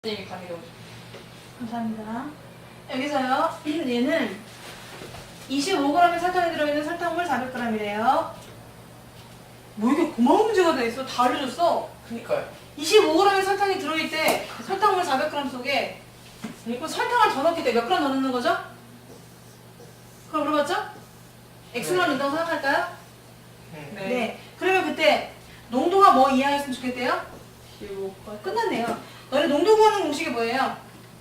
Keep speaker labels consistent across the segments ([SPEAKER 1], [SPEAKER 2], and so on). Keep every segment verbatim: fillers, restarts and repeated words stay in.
[SPEAKER 1] 선생님이 강의로.
[SPEAKER 2] 감사합니다. 여기서요, 얘는 이십오 그램의 설탕이 들어있는 설탕물 사백 그램이래요. 뭐 이게 고마운 문제가 돼 있어? 다 알려줬어.
[SPEAKER 1] 그니까요.
[SPEAKER 2] 이십오 그램의 설탕이 들어있대. 설탕물 사백 그램 속에. 그럼 설탕을 더 넣기 때 몇 그램 더 넣는 거죠? 그럼 물어봤죠? X만
[SPEAKER 1] 네.
[SPEAKER 2] 넣는다고 생각할까요?
[SPEAKER 1] 네.
[SPEAKER 2] 네. 그러면 그때 농도가 뭐 이하였으면 좋겠대요?
[SPEAKER 1] 십오.
[SPEAKER 2] 끝났네요. 너네 농도 구하는 공식이 뭐예요?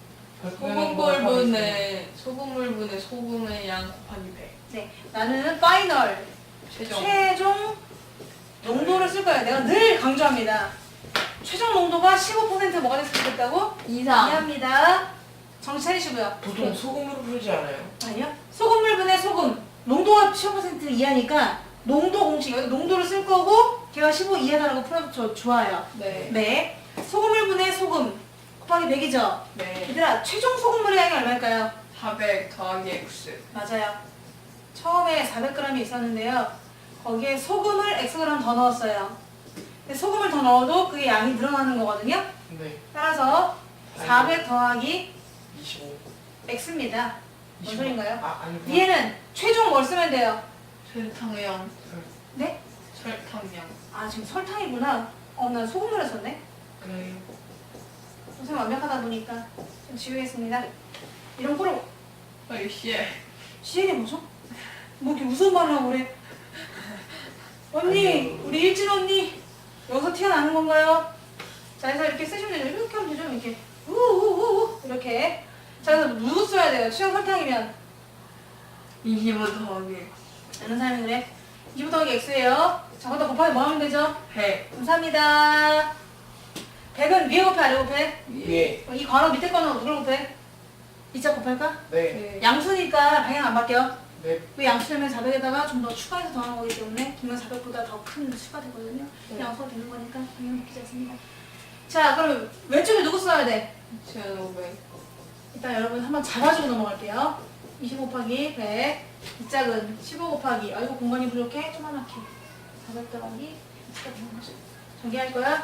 [SPEAKER 1] 소금물분의 소금물분의 소금의 양 곱하기 백.
[SPEAKER 2] 네. 나는 파이널.
[SPEAKER 1] 최종.
[SPEAKER 2] 최종 농도를 쓸 거예요. 내가 늘 강조합니다. 최종 농도가 십오 퍼센트 뭐가 됐으면 좋겠다고?
[SPEAKER 1] 이상.
[SPEAKER 2] 이해합니다. 정신 차리시고요.
[SPEAKER 1] 보통 소금으로 풀지 않아요?
[SPEAKER 2] 아니요. 소금물분의 소금. 농도가 십오 퍼센트 이하니까 농도 공식, 여기 농도를 쓸 거고 걔가 십오 이하다라고 풀어도 좋아요.
[SPEAKER 1] 네.
[SPEAKER 2] 네. 소금물분의 소금 곱하기 백이죠?
[SPEAKER 1] 네.
[SPEAKER 2] 얘들아, 최종 소금물의 양이 얼마일까요?
[SPEAKER 1] 사백 더하기 X.
[SPEAKER 2] 맞아요. 처음에 사백 그램이 있었는데요. 거기에 소금을 X 그램 더 넣었어요. 근데 소금을 더 넣어도 그게 양이 늘어나는 거거든요.
[SPEAKER 1] 네.
[SPEAKER 2] 따라서 사백 더하기
[SPEAKER 1] 이십오.
[SPEAKER 2] X입니다. 뭔 소린가요?
[SPEAKER 1] 아, 아니.
[SPEAKER 2] 얘는 최종 뭘 쓰면 돼요?
[SPEAKER 1] 설탕량.
[SPEAKER 2] 네?
[SPEAKER 1] 설탕량.
[SPEAKER 2] 아, 지금 설탕이구나. 어, 나 소금물을 썼네.
[SPEAKER 1] 네.
[SPEAKER 2] 선생님 완벽하다 보니까 좀 지우겠습니다. 이런 거로
[SPEAKER 1] 아, 씨.
[SPEAKER 2] 시행이 뭐죠? 뭐 이렇게 무서운 말을 하고 그래? 언니,
[SPEAKER 1] 아니요.
[SPEAKER 2] 우리 일진 언니 여기서 튀어나는 건가요? 자, 그래서 이렇게 쓰시면 되죠. 이렇게 하면 되죠. 이렇게 우우우우 이렇게. 자, 그래서 누구 써야 돼요? 취향 설탕이면
[SPEAKER 1] 이십오 더하기
[SPEAKER 2] 아는 사람이 그래. 이십오 더하기 X예요. 자, 거기다 곱하기 뭐 하면 되죠?
[SPEAKER 1] 백.
[SPEAKER 2] 감사합니다. 백은 위에 곱해, 아래 곱해?
[SPEAKER 1] 예.
[SPEAKER 2] 이 괄호 밑에 거는 누굴 곱해? 이자 곱할까?
[SPEAKER 1] 네.
[SPEAKER 2] 양수니까 방향 안 바뀌어.
[SPEAKER 1] 네.
[SPEAKER 2] 그 양수되면 사백에다가 좀 더 추가해서 더한 거기 때문에 기면 사백보다 더 큰 수가 되거든요.
[SPEAKER 1] 네.
[SPEAKER 2] 양수가 되는 거니까 방향 바뀌지 않습니다. 자, 그럼 왼쪽에 누구 써야 돼?
[SPEAKER 1] 이천오백.
[SPEAKER 2] 일단 여러분 한번 잡아주고 넘어갈게요. 이십오 곱하기 백. 이 짝은 십오 곱하기. 아이고 공간이 부족해. 조그맣게. 사백 더하기 X가 되는 거죠. 정리할 거야?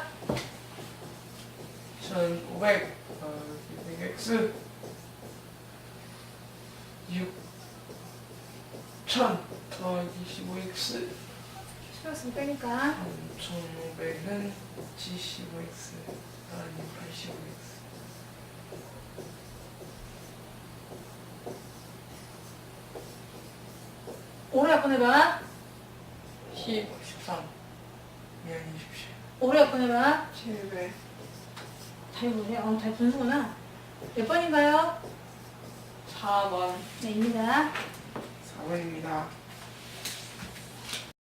[SPEAKER 1] 이천오백 더하기 백 X. 육천 더하기 십오 X.
[SPEAKER 2] 신경 쓰면 빼니까.
[SPEAKER 1] 삼천오백은 칠십오 X 더하기 팔십오 X.
[SPEAKER 2] 오로 약분해봐.
[SPEAKER 1] 십, 십삼. 미안해 주십시오.
[SPEAKER 2] 오로 약분해봐.
[SPEAKER 1] 칠백.
[SPEAKER 2] 다이분이네. 어, 다이 분수구나. 몇 번인가요?
[SPEAKER 1] 사 번.
[SPEAKER 2] 네, 입니다.
[SPEAKER 1] 사 번입니다.